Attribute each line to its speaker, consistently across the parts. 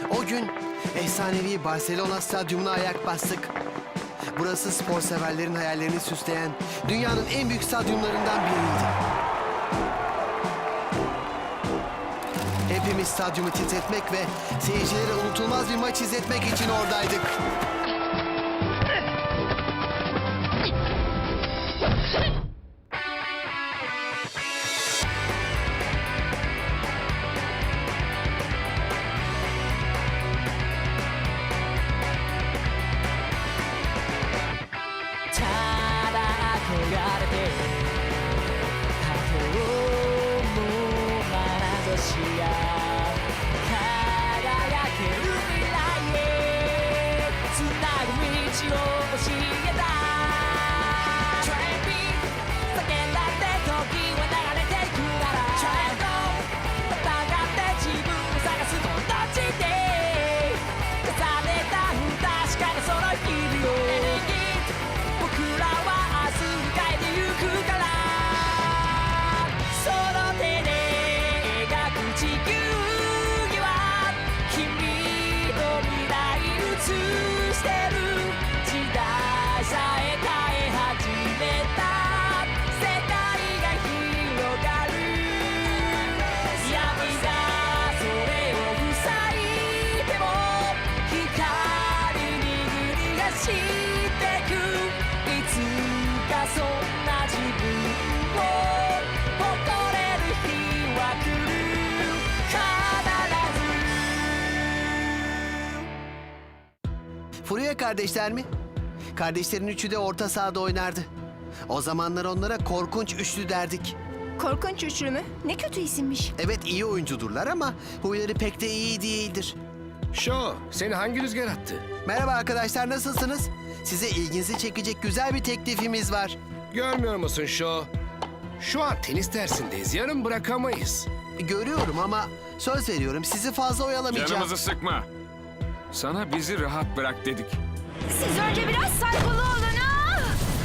Speaker 1: O gün efsanevi Barcelona stadyumuna ayak bastık. Burası spor severlerin hayallerini süsleyen dünyanın en büyük stadyumlarından biriydi. Hepimiz stadyumu titretmek ve seyircilere unutulmaz bir maç izletmek için oradaydık. Furuya kardeşler mi? Kardeşlerin üçü de orta sahada oynardı. O zamanlar onlara korkunç üçlü derdik.
Speaker 2: Korkunç üçlü mü? Ne kötü isimmiş.
Speaker 1: Evet, iyi oyuncudurlar ama huyları pek de iyi değildir.
Speaker 3: Şo, seni hangi rüzgar attı?
Speaker 1: Merhaba arkadaşlar, nasılsınız? Size ilginizi çekecek güzel bir teklifimiz var.
Speaker 3: Görmüyor musun Şo? Şu an tenis dersindeyiz, yarın bırakamayız.
Speaker 1: Görüyorum ama söz veriyorum sizi fazla oyalamayacağım.
Speaker 4: Canımızı sıkma. Sana bizi rahat bırak dedik.
Speaker 2: Siz önce biraz saygılı olun ha!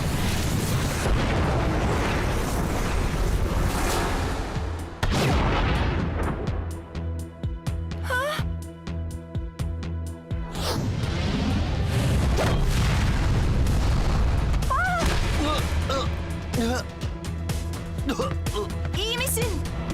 Speaker 2: İyi misin?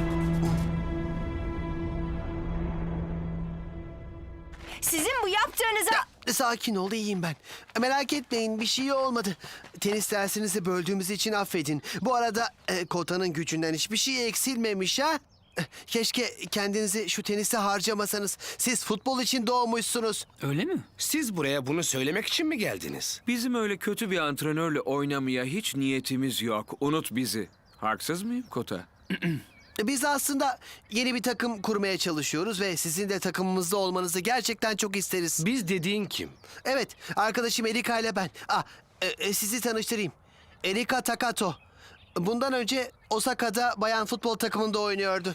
Speaker 2: Sizin bu yaptığınıza...
Speaker 1: Sakin ol, iyiyim ben. Merak etmeyin, bir şey olmadı. Tenis dersinizi böldüğümüz için affedin. Bu arada Kota'nın gücünden hiçbir şey eksilmemiş ha? Keşke kendinizi şu teniste harcamasanız. Siz futbol için doğmuşsunuz.
Speaker 5: Öyle mi?
Speaker 3: Siz buraya bunu söylemek için mi geldiniz?
Speaker 4: Bizim öyle kötü bir antrenörle oynamaya hiç niyetimiz yok. Unut bizi. Haksız mıyım Kota?
Speaker 1: Biz aslında yeni bir takım kurmaya çalışıyoruz ve sizin de takımımızda olmanızı gerçekten çok isteriz.
Speaker 3: Biz dediğin kim?
Speaker 1: Evet, arkadaşım Erika ile ben. Sizi tanıştırayım. Erika Takato. Bundan önce Osaka'da bayan futbol takımında oynuyordu.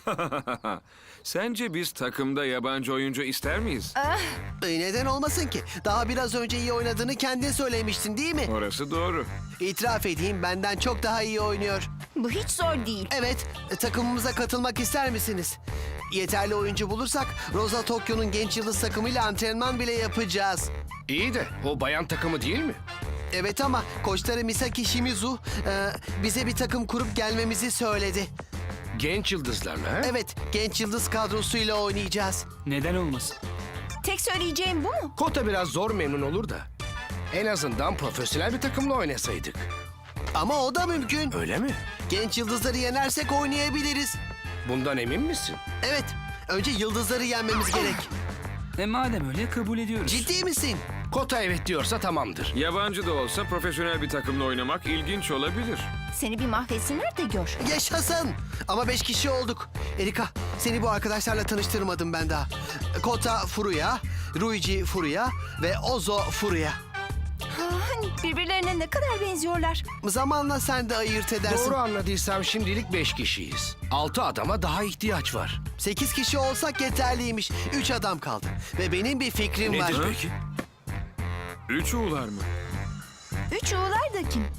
Speaker 4: Sence biz takımda yabancı oyuncu ister miyiz?
Speaker 1: Neden olmasın ki? Daha biraz önce iyi oynadığını kendin söylemiştin değil mi?
Speaker 4: Orası doğru.
Speaker 1: İtiraf edeyim, benden çok daha iyi oynuyor.
Speaker 2: Bu hiç zor değil.
Speaker 1: Evet, takımımıza katılmak ister misiniz? Yeterli oyuncu bulursak Rosa Tokyo'nun genç yıldız takımıyla antrenman bile yapacağız.
Speaker 3: İyi de o bayan takımı değil mi?
Speaker 1: Evet ama koçları Misaki Shimizu bize bir takım kurup gelmemizi söyledi.
Speaker 3: Genç yıldızlarla ha?
Speaker 1: Evet, genç yıldız kadrosuyla oynayacağız.
Speaker 5: Neden olmasın?
Speaker 2: Tek söyleyeceğim bu mu?
Speaker 3: Kota biraz zor memnun olur da. En azından profesyonel bir takımla oynasaydık.
Speaker 1: Ama o da mümkün.
Speaker 3: Öyle mi?
Speaker 1: Genç yıldızları yenersek oynayabiliriz.
Speaker 3: Bundan emin misin?
Speaker 1: Evet, önce yıldızları yenmemiz gerek.
Speaker 5: Madem öyle kabul ediyoruz.
Speaker 1: Ciddi misin?
Speaker 3: Kota evet diyorsa tamamdır.
Speaker 4: Yabancı da olsa profesyonel bir takımla oynamak ilginç olabilir.
Speaker 2: Seni bir mahvetsinler de gör.
Speaker 1: Yaşasın! Ama 5 kişi olduk. Erika, seni bu arkadaşlarla tanıştırmadım ben daha. Kota Furuya, Ruiji Furuya ve Ozo Furuya.
Speaker 2: Birbirlerine ne kadar benziyorlar.
Speaker 1: Zamanla sen de ayırt edersin.
Speaker 3: Doğru anladıysam şimdilik 5 kişiyiz. 6 adama daha ihtiyaç var.
Speaker 1: 8 kişi olsak yeterliymiş. 3 adam kaldı. Ve benim bir fikrim var.
Speaker 3: Nedir peki?
Speaker 4: Üç uğular mı?
Speaker 2: Üç oğullar da kim?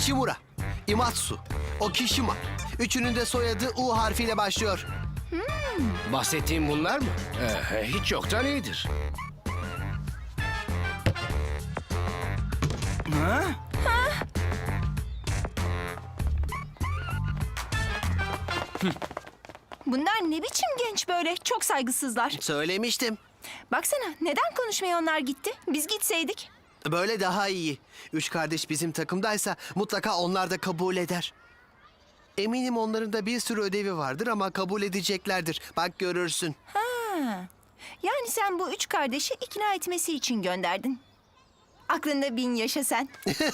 Speaker 1: Ichimura, Imatsu, Okishima. Üçünün de soyadı U harfiyle başlıyor.
Speaker 3: Bahsettiğim bunlar mı? Hiç yoktan iyidir.
Speaker 5: Ha?
Speaker 2: Bunlar ne biçim genç böyle? Çok saygısızlar.
Speaker 1: Söylemiştim.
Speaker 2: Baksana neden konuşmaya onlar gitti? Biz gitseydik.
Speaker 1: Böyle daha iyi. Üç kardeş bizim takımdaysa mutlaka onlar da kabul eder. Eminim onların da bir sürü ödevi vardır ama kabul edeceklerdir. Bak görürsün.
Speaker 2: Yani sen bu üç kardeşi ikna etmesi için gönderdin. Aklında bin yaşa sen.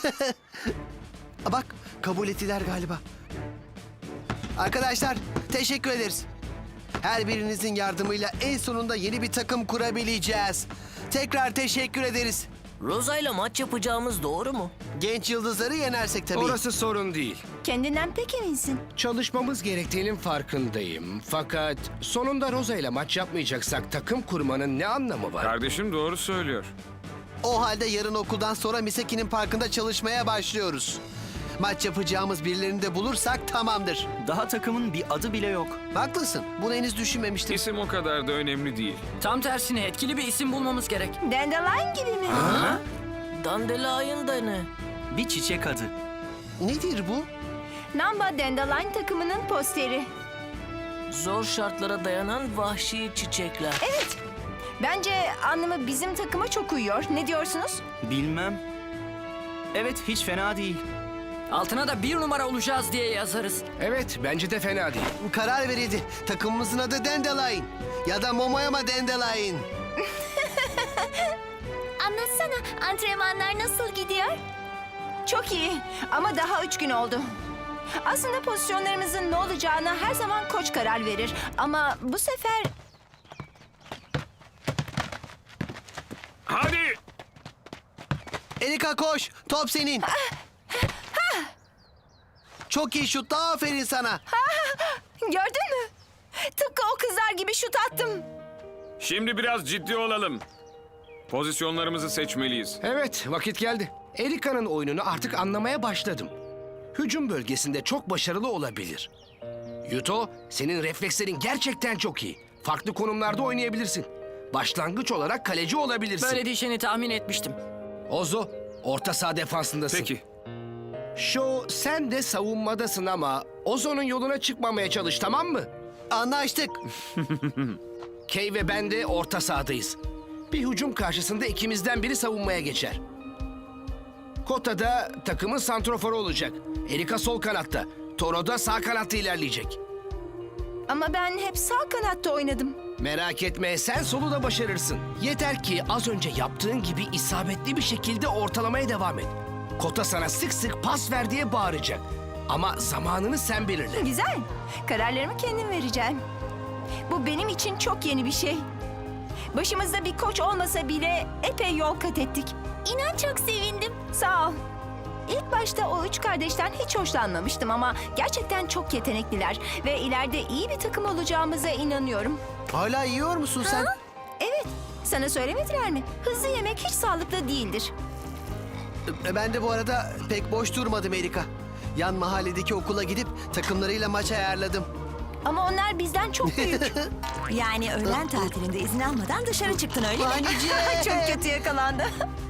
Speaker 1: Bak kabul ettiler galiba. Arkadaşlar teşekkür ederiz. Her birinizin yardımıyla en sonunda yeni bir takım kurabileceğiz. Tekrar teşekkür ederiz.
Speaker 6: Rosa ile maç yapacağımız doğru mu?
Speaker 1: Genç yıldızları yenersek tabii.
Speaker 3: Orası sorun değil.
Speaker 2: Kendinden pek eminsin.
Speaker 3: Çalışmamız gerektiğinin farkındayım. Fakat sonunda Rosa ile maç yapmayacaksak takım kurmanın ne anlamı var?
Speaker 4: Kardeşim doğru söylüyor.
Speaker 1: O halde yarın okuldan sonra Misaki'nin parkında çalışmaya başlıyoruz. Maç yapacağımız birilerini de bulursak tamamdır.
Speaker 5: Daha takımın bir adı bile yok.
Speaker 1: Haklısın. Bunu henüz düşünmemiştim.
Speaker 4: İsim o kadar da önemli değil.
Speaker 7: Tam tersine etkili bir isim bulmamız gerek.
Speaker 2: Dandelion gibi mi?
Speaker 6: Dandelion da ne?
Speaker 5: Bir çiçek adı.
Speaker 1: Nedir bu?
Speaker 2: Namba Dandelion takımının posteri.
Speaker 6: Zor şartlara dayanan vahşi çiçekler.
Speaker 2: Evet. Bence anlamı bizim takıma çok uyuyor. Ne diyorsunuz?
Speaker 5: Bilmem. Evet, hiç fena değil.
Speaker 7: Altına da 1 numara olacağız diye yazarız.
Speaker 3: Evet, bence de fena değil.
Speaker 1: Karar verildi. Takımımızın adı Dandelion. Ya da Momoyama Dandelion.
Speaker 2: Anlatsana antrenmanlar nasıl gidiyor? Çok iyi ama daha 3 gün oldu. Aslında pozisyonlarımızın ne olacağına her zaman koç karar verir. Ama bu sefer
Speaker 4: Hadi!
Speaker 1: Erika koş. Top senin. Çok iyi şut. Aferin sana.
Speaker 2: gördün mü? Tıpkı o kızlar gibi şut attım.
Speaker 4: Şimdi biraz ciddi olalım. Pozisyonlarımızı seçmeliyiz.
Speaker 3: Evet, vakit geldi. Erika'nın oyununu artık anlamaya başladım. Hücum bölgesinde çok başarılı olabilir. Yuto, senin reflekslerin gerçekten çok iyi. Farklı konumlarda oynayabilirsin. Başlangıç olarak kaleci olabilirsin.
Speaker 7: Böyle diyeceğini tahmin etmiştim.
Speaker 3: Ozo, orta saha defansındasın.
Speaker 4: Peki.
Speaker 3: Sho, sen de savunmadasın ama Ozo'nun yoluna çıkmamaya çalış, tamam mı?
Speaker 1: Anlaştık.
Speaker 3: Kay ve ben de orta sahadayız. Bir hücum karşısında ikimizden biri savunmaya geçer. Kota da takımın santroforu olacak. Erika sol kanatta. Toro da sağ kanatta ilerleyecek.
Speaker 2: Ama ben hep sağ kanatta oynadım.
Speaker 3: Merak etme, sen solu da başarırsın. Yeter ki az önce yaptığın gibi isabetli bir şekilde ortalamaya devam et. Kota sana sık sık pas ver diye bağıracak. Ama zamanını sen belirle.
Speaker 2: Güzel. Kararlarımı kendim vereceğim. Bu benim için çok yeni bir şey. Başımızda bir koç olmasa bile epey yol kat ettik. İnan çok sevindim. Sağ ol. İlk başta o üç kardeşten hiç hoşlanmamıştım ama gerçekten çok yetenekliler ve ileride iyi bir takım olacağımıza inanıyorum.
Speaker 1: Hala yiyor musun sen?
Speaker 2: Evet, sana söylemediler mi? Hızlı yemek hiç sağlıklı değildir.
Speaker 1: Ben de bu arada pek boş durmadım Erika. Yan mahalledeki okula gidip takımlarıyla maç ayarladım.
Speaker 2: Ama onlar bizden çok büyük.
Speaker 8: Yani öğlen tatilinde izin almadan dışarı çıktın öyle mi?
Speaker 1: Anneciğim.
Speaker 2: Çok kötü yakalandı.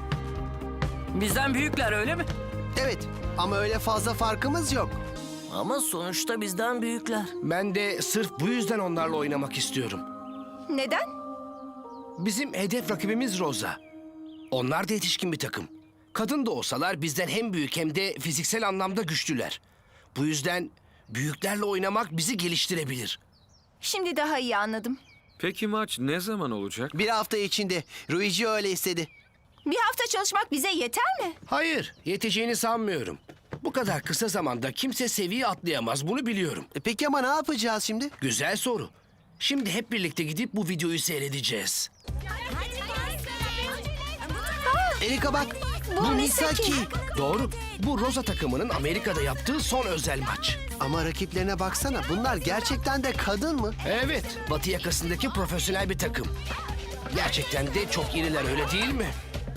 Speaker 7: Bizden büyükler öyle mi?
Speaker 1: Evet ama öyle fazla farkımız yok.
Speaker 6: Ama sonuçta bizden büyükler.
Speaker 3: Ben de sırf bu yüzden onlarla oynamak istiyorum.
Speaker 2: Neden?
Speaker 3: Bizim hedef rakibimiz Rosa. Onlar da yetişkin bir takım. Kadın da olsalar bizden hem büyük hem de fiziksel anlamda güçlüler. Bu yüzden büyüklerle oynamak bizi geliştirebilir.
Speaker 2: Şimdi daha iyi anladım.
Speaker 4: Peki maç ne zaman olacak?
Speaker 1: Bir hafta içinde. Luigi öyle istedi.
Speaker 2: Bir hafta çalışmak bize yeter mi?
Speaker 3: Hayır, yeteceğini sanmıyorum. Bu kadar kısa zamanda kimse seviye atlayamaz, bunu biliyorum.
Speaker 1: Peki ama ne yapacağız şimdi?
Speaker 3: Güzel soru. Şimdi hep birlikte gidip bu videoyu seyredeceğiz.
Speaker 1: Erika bak.
Speaker 2: Bu Misaki.
Speaker 3: Doğru. Bu Rosa takımının Amerika'da yaptığı son özel maç.
Speaker 1: Ama rakiplerine baksana. Bunlar gerçekten de kadın mı?
Speaker 3: Evet, Batı yakasındaki profesyonel bir takım. Gerçekten de çok iriler, öyle değil mi?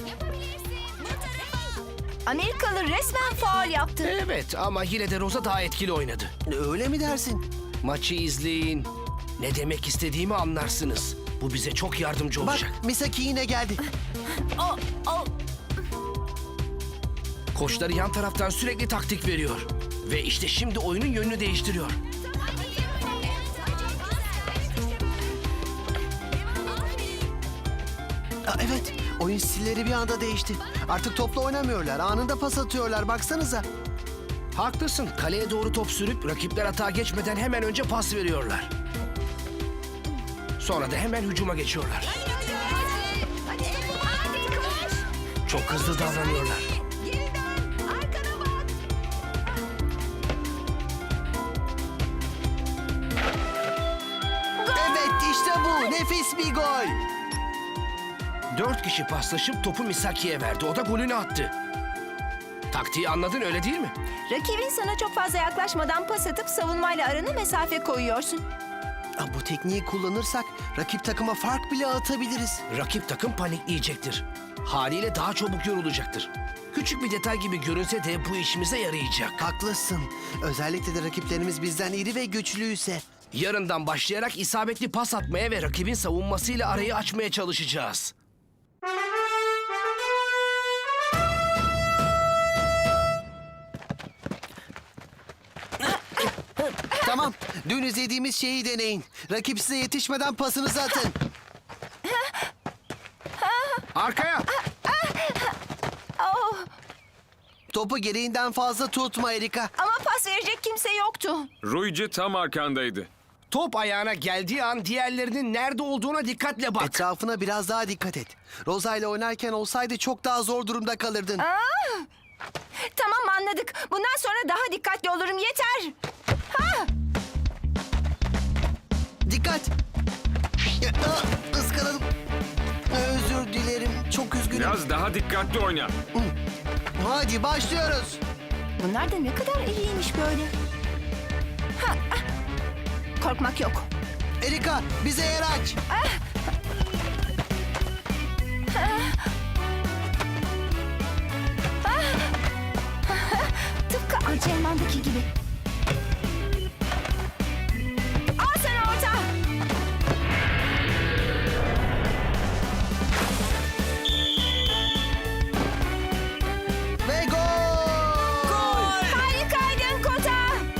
Speaker 2: Amerikalı resmen faul yaptı.
Speaker 3: Evet ama yine de Rosa daha etkili oynadı.
Speaker 1: Öyle mi dersin?
Speaker 3: Maçı izleyin. Ne demek istediğimi anlarsınız. Bu bize çok yardımcı
Speaker 1: Bak
Speaker 3: olacak.
Speaker 1: Misaki yine geldi.
Speaker 3: Koçları yan taraftan sürekli taktik veriyor. Ve işte şimdi oyunun yönünü değiştiriyor.
Speaker 1: Evet, oyun stilleri bir anda değişti. Artık topla oynamıyorlar, anında pas atıyorlar. Baksanıza.
Speaker 3: Haklısın. Kaleye doğru top sürüp rakipler atağa geçmeden hemen önce pas veriyorlar. Sonra da hemen hücuma geçiyorlar. Çok hızlı davranıyorlar.
Speaker 1: Evet, işte bu. Nefis bir gol.
Speaker 3: 4 kişi paslaşıp topu Misaki'ye verdi. O da golünü attı. Taktiği anladın öyle değil mi?
Speaker 2: Rakibin sana çok fazla yaklaşmadan pas atıp savunmayla arana mesafe koyuyorsun.
Speaker 1: Bu tekniği kullanırsak rakip takıma fark bile atabiliriz.
Speaker 3: Rakip takım panikleyecektir. Haliyle daha çabuk yorulacaktır. Küçük bir detay gibi görünse de bu işimize yarayacak.
Speaker 1: Haklısın. Özellikle de rakiplerimiz bizden iri ve güçlüyse.
Speaker 3: Yarından başlayarak isabetli pas atmaya ve rakibin savunmasıyla arayı açmaya çalışacağız.
Speaker 1: Tamam, dün izlediğimiz şeyi deneyin. Rakip size yetişmeden pasınızı atın.
Speaker 3: Arkaya!
Speaker 1: Topu gereğinden fazla tutma Erika.
Speaker 2: Ama pas verecek kimse yoktu.
Speaker 4: Ruici tam arkandaydı.
Speaker 3: Top ayağına geldiği an diğerlerinin nerede olduğuna dikkatle bak.
Speaker 1: Etrafına biraz daha dikkat et. Roza ile oynarken olsaydı çok daha zor durumda kalırdın.
Speaker 2: Tamam anladık. Bundan sonra daha dikkatli olurum yeter.
Speaker 1: Dikkat! Iskaladım. Özür dilerim. Çok üzgünüm.
Speaker 4: Biraz daha dikkatli oyna.
Speaker 1: Hadi başlıyoruz.
Speaker 2: Bunlar da ne kadar iyiymiş böyle. Korkmak yok.
Speaker 1: Erika bize yer aç.
Speaker 2: Tıpkı antrenmandaki gibi. Al sana orta.
Speaker 1: Ve gol!
Speaker 2: Harikaydın Kota.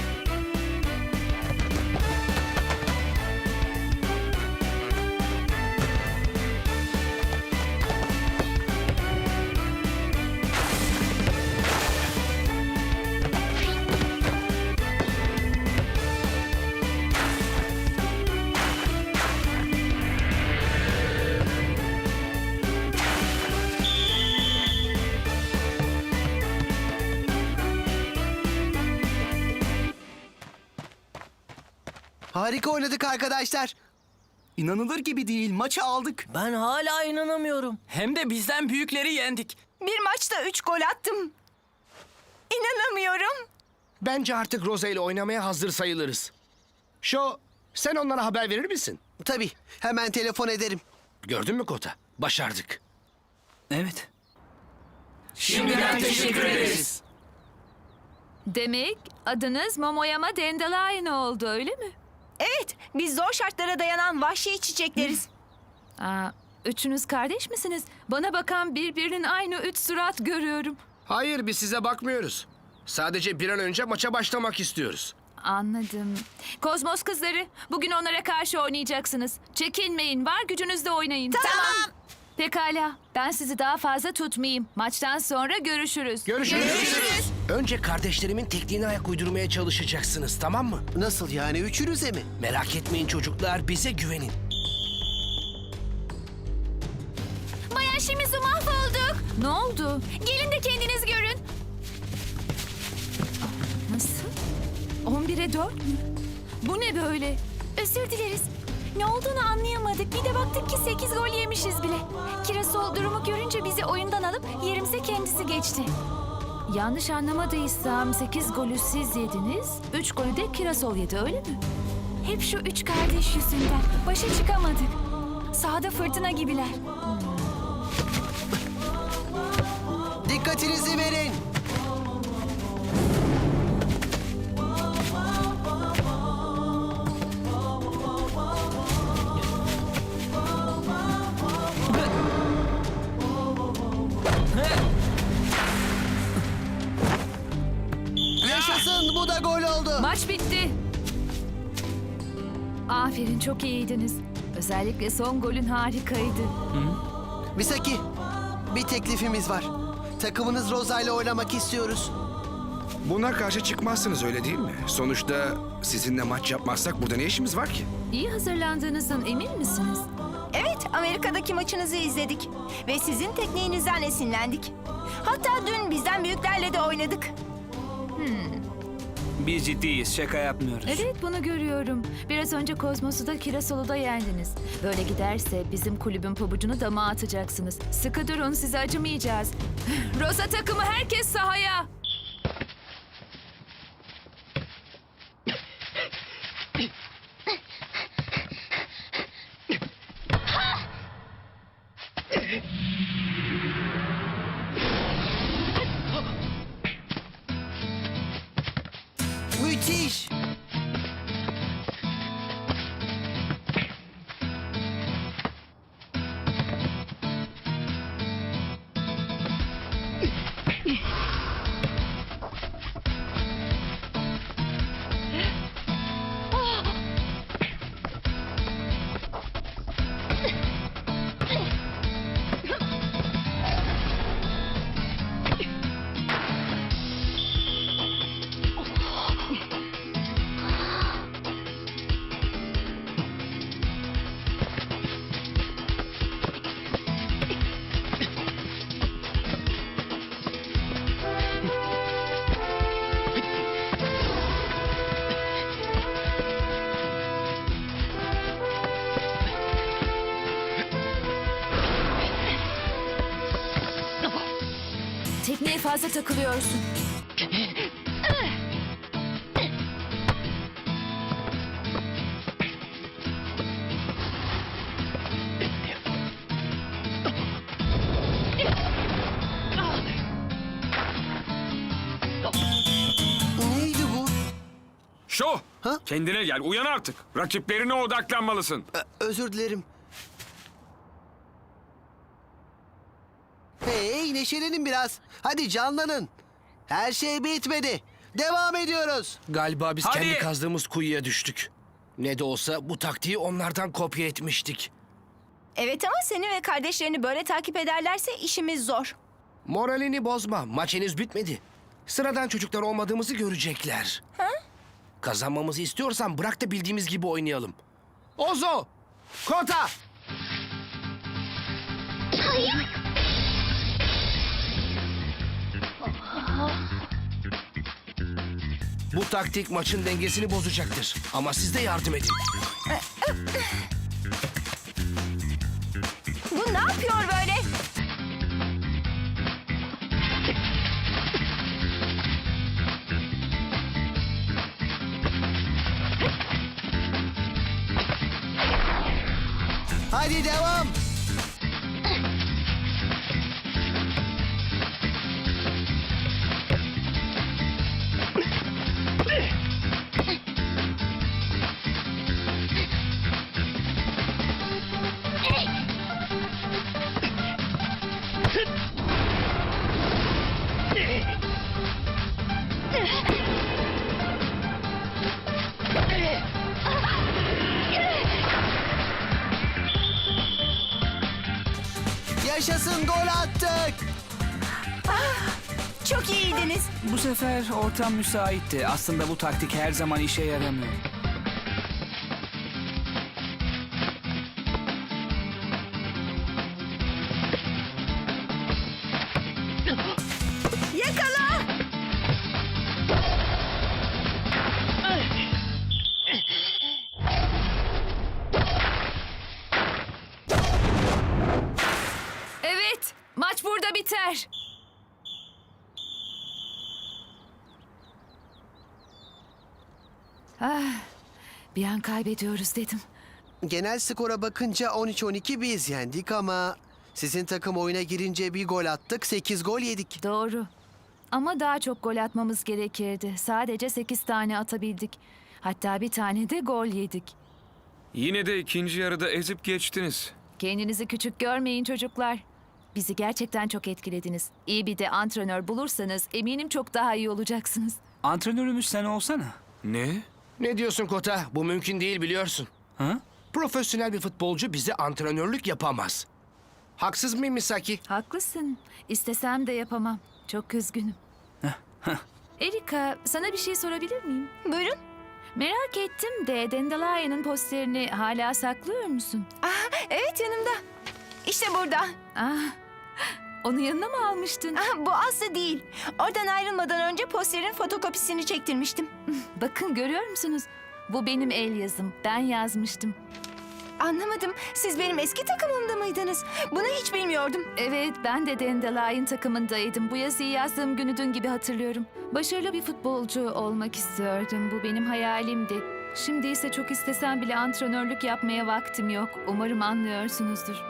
Speaker 1: Harika oynadık arkadaşlar.
Speaker 5: İnanılır gibi değil. Maçı aldık.
Speaker 6: Ben hala inanamıyorum.
Speaker 7: Hem de bizden büyükleri yendik.
Speaker 2: Bir maçta 3 gol attım. İnanamıyorum.
Speaker 3: Bence artık Roza ile oynamaya hazır sayılırız. Sen onlara haber verir misin?
Speaker 1: Tabii, hemen telefon ederim.
Speaker 3: Gördün mü Kota? Başardık.
Speaker 5: Evet.
Speaker 7: Şimdiden teşekkür ederiz.
Speaker 9: Demek adınız Momoyama Dandelion oldu öyle mi?
Speaker 2: Evet, biz zor şartlara dayanan vahşi çiçekleriz.
Speaker 9: Üçünüz kardeş misiniz? Bana bakan birbirinin aynı üç surat görüyorum.
Speaker 3: Hayır, biz size bakmıyoruz. Sadece bir an önce maça başlamak istiyoruz.
Speaker 9: Anladım. Kozmos kızları, bugün onlara karşı oynayacaksınız. Çekinmeyin, var gücünüzle oynayın.
Speaker 2: Tamam.
Speaker 9: Pekala, ben sizi daha fazla tutmayayım. Maçtan sonra görüşürüz.
Speaker 3: Görüşürüz. Önce kardeşlerimin tekniğine ayak uydurmaya çalışacaksınız, tamam mı?
Speaker 1: Nasıl yani, üçünüze mi?
Speaker 3: Merak etmeyin çocuklar, bize güvenin.
Speaker 9: Bayan Shimizu mahvolduk. Ne oldu? Gelin de kendiniz görün. Nasıl? 11'e 4 mü? Bu ne böyle?
Speaker 2: Özür dileriz. Ne olduğunu anlayamadık. Bir de baktık ki 8 gol yemişiz bile. Kirasol durumu görünce bizi oyundan alıp yerimize kendisi geçti.
Speaker 9: Yanlış anlamadıysam 8 golü siz yediniz, 3 golü de Kirasol yedi öyle mi?
Speaker 2: Hep şu 3 kardeş yüzünden. Başa çıkamadık. Sahada fırtına gibiler.
Speaker 1: Dikkatinizi verin. Yaşasın, bu da gol oldu.
Speaker 9: Maç bitti. Aferin, çok iyiydiniz. Özellikle son golün harikaydı.
Speaker 1: Misaki, bir teklifimiz var. Takımınız Rosa ile oynamak istiyoruz.
Speaker 3: Buna karşı çıkmazsınız öyle değil mi? Sonuçta sizinle maç yapmazsak burada ne işimiz var ki?
Speaker 9: İyi hazırlandığınızdan emin misiniz?
Speaker 2: Evet, Amerika'daki maçınızı izledik. Ve sizin tekniğinizden esinlendik. Hatta dün bizden büyüklerle de oynadık.
Speaker 5: Biz ciddiyiz, şaka yapmıyoruz.
Speaker 9: Evet, bunu görüyorum. Biraz önce Kozmos'u da Kirasolu'da da yendiniz. Böyle giderse bizim kulübün pabucunu dama atacaksınız. Sıkı durun, size acımayacağız. Rosa takımı, herkes sahaya.
Speaker 1: Müthiş.
Speaker 9: Tekneye fazla takılıyorsun.
Speaker 1: Neydi bu?
Speaker 4: Şu!
Speaker 1: Ha?
Speaker 4: Kendine gel, uyan artık. Rakiplerine odaklanmalısın.
Speaker 1: Özür dilerim. Hey, neşelenin biraz. Hadi canlanın. Her şey bitmedi. Devam ediyoruz.
Speaker 3: Galiba biz
Speaker 4: Hadi.
Speaker 3: kendi kazdığımız kuyuya düştük. Ne de olsa bu taktiği onlardan kopya etmiştik.
Speaker 2: Evet ama seni ve kardeşlerini böyle takip ederlerse işimiz zor.
Speaker 3: Moralini bozma. Maç henüz bitmedi. Sıradan çocuklar olmadığımızı görecekler. Kazanmamızı istiyorsan bırak da bildiğimiz gibi oynayalım. Ozo! Kota! Bu taktik maçın dengesini bozacaktır. Ama siz de yardım edin.
Speaker 2: Bu ne yapıyor böyle?
Speaker 1: Hadi devam. Yaşasın, gol attık.
Speaker 2: Çok iyiydiniz.
Speaker 5: Bu sefer ortam müsaitti. Aslında bu taktik her zaman işe yaramıyor.
Speaker 2: Yakala!
Speaker 9: Evet, maç burada biter. Bir an kaybediyoruz dedim.
Speaker 1: Genel skora bakınca 13-12 biz yendik ama sizin takım oyuna girince bir gol attık, 8 gol yedik.
Speaker 9: Doğru. Ama daha çok gol atmamız gerekirdi. Sadece 8 tane atabildik. Hatta bir tane de gol yedik.
Speaker 4: Yine de ikinci yarıda ezip geçtiniz.
Speaker 9: Kendinizi küçük görmeyin çocuklar. Bizi gerçekten çok etkilediniz. İyi bir de antrenör bulursanız eminim çok daha iyi olacaksınız.
Speaker 5: Antrenörümüz sen olsana.
Speaker 4: Ne?
Speaker 3: Ne diyorsun Kota? Bu mümkün değil biliyorsun.
Speaker 5: Ha?
Speaker 3: Profesyonel bir futbolcu bize antrenörlük yapamaz. Haksız mıyım Misaki?
Speaker 9: Haklısın. İstesem de yapamam. Çok üzgünüm. Erika, sana bir şey sorabilir miyim?
Speaker 2: Buyurun.
Speaker 9: Merak ettim de Dandelion'ın posterini hala saklıyor musun?
Speaker 2: Evet, yanımda. İşte burada.
Speaker 9: Ah, onu yanına mı almıştın?
Speaker 2: Bu Aslı değil. Oradan ayrılmadan önce posterin fotokopisini çektirmiştim.
Speaker 9: Bakın görüyor musunuz? Bu benim el yazım. Ben yazmıştım.
Speaker 2: Anlamadım. Siz benim eski takımımda mıydınız? Bunu hiç bilmiyordum.
Speaker 9: Evet, ben de Dandelion takımındaydım. Bu yazıyı yazdığım günü dün gibi hatırlıyorum. Başarılı bir futbolcu olmak istiyordum. Bu benim hayalimdi. Şimdi ise çok istesem bile antrenörlük yapmaya vaktim yok. Umarım anlıyorsunuzdur.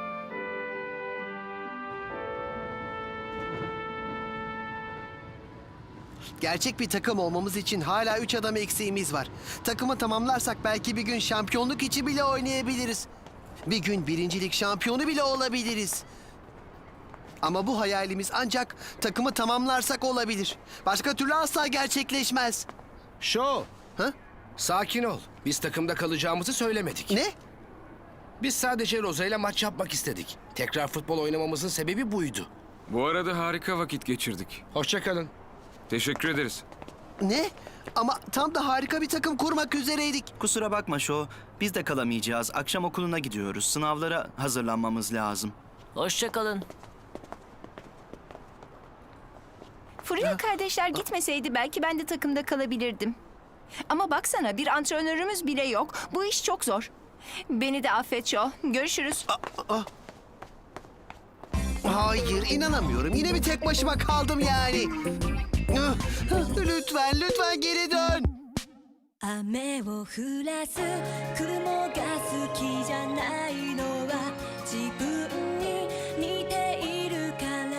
Speaker 1: Gerçek bir takım olmamız için hala 3 adam eksiğimiz var. Takımı tamamlarsak belki bir gün şampiyonluk için bile oynayabiliriz. Bir gün birincilik şampiyonu bile olabiliriz. Ama bu hayalimiz ancak takımı tamamlarsak olabilir. Başka türlü asla gerçekleşmez.
Speaker 3: Şo,
Speaker 1: Ha?
Speaker 3: sakin ol. Biz takımda kalacağımızı söylemedik.
Speaker 1: Ne?
Speaker 3: Biz sadece Rosa ile maç yapmak istedik. Tekrar futbol oynamamızın sebebi buydu.
Speaker 4: Bu arada harika vakit geçirdik.
Speaker 3: Hoşça kalın.
Speaker 4: Teşekkür ederiz.
Speaker 1: Ne? Ama tam da harika bir takım kurmak üzereydik.
Speaker 10: Kusura bakma Şo, biz de kalamayacağız. Akşam okuluna gidiyoruz. Sınavlara hazırlanmamız lazım.
Speaker 6: Hoşça kalın.
Speaker 2: Fırya kardeşler gitmeseydi belki ben de takımda kalabilirdim. Ama baksana, bir antrenörümüz bile yok. Bu iş çok zor. Beni de affet Joe. Görüşürüz.
Speaker 1: Hayır, inanamıyorum. Yine bir tek başıma kaldım yani. Lütfen, lütfen geri dön.
Speaker 8: 雨を降らす雲が好きじゃないのは自分に似ているから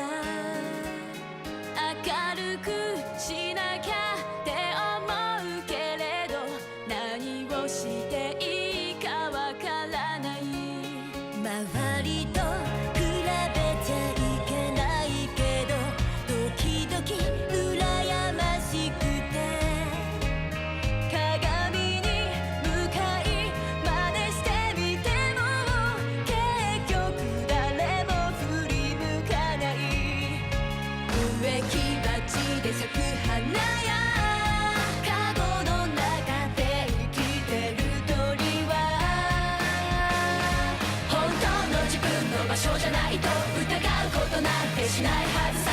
Speaker 8: 明るくしなきゃって思うけれど何をしていいかわからない周りと比べちゃいけないけど時々羨ましくて鏡に向かい真似してみても結局誰も振り向かない植木鉢で咲く花やカゴの中で生きてる鳥は本当の自分の場所じゃないと疑うことなんてしないはずさ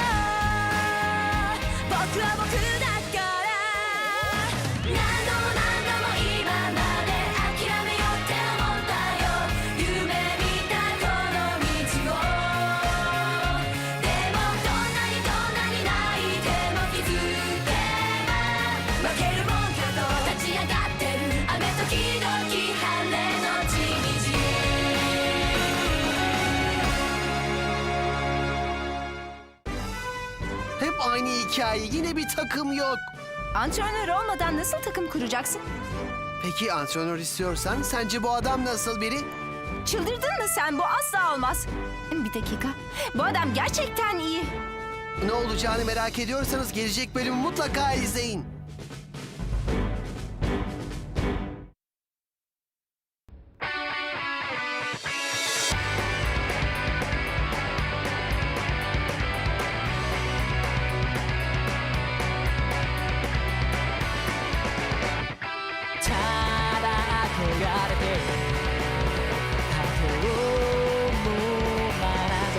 Speaker 8: 僕は僕だから何度も今まで諦めようって思ったよ夢見たこの道をでもどんなに泣いても気づけば負けるもんかと立ち上がってる雨時々晴れのちみち
Speaker 1: Hep aynı hikaye. Yine bir takım yok.
Speaker 2: Antrenör olmadan nasıl takım kuracaksın?
Speaker 1: Peki antrenör istiyorsan sence bu adam nasıl biri?
Speaker 2: Çıldırdın mı sen? Bu asla olmaz. Bir dakika. Bu adam gerçekten iyi.
Speaker 1: Ne olacağını merak ediyorsanız gelecek bölümü mutlaka izleyin.